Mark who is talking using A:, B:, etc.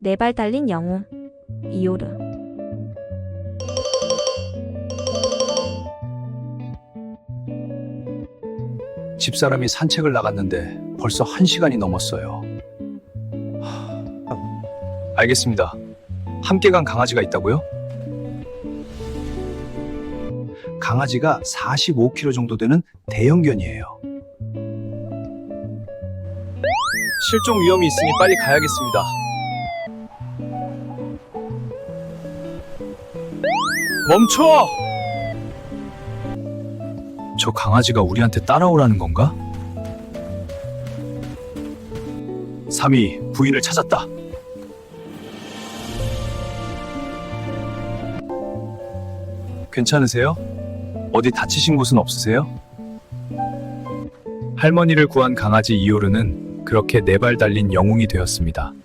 A: 네 발 달린 영웅 이오르.
B: 집사람이 산책을 나갔는데 벌써 1시간이 넘었어요. 알겠습니다. 함께 간 강아지가 있다고요? 강아지가 45kg 정도 되는 대형견이에요. 실종 위험이 있으니 빨리 가야겠습니다. 멈춰! 저 강아지가 우리한테 따라오라는 건가? 3위, 부인을 찾았다. 괜찮으세요? 어디 다치신 곳은 없으세요? 할머니를 구한 강아지 이오르는 그렇게 네 발 달린 영웅이 되었습니다.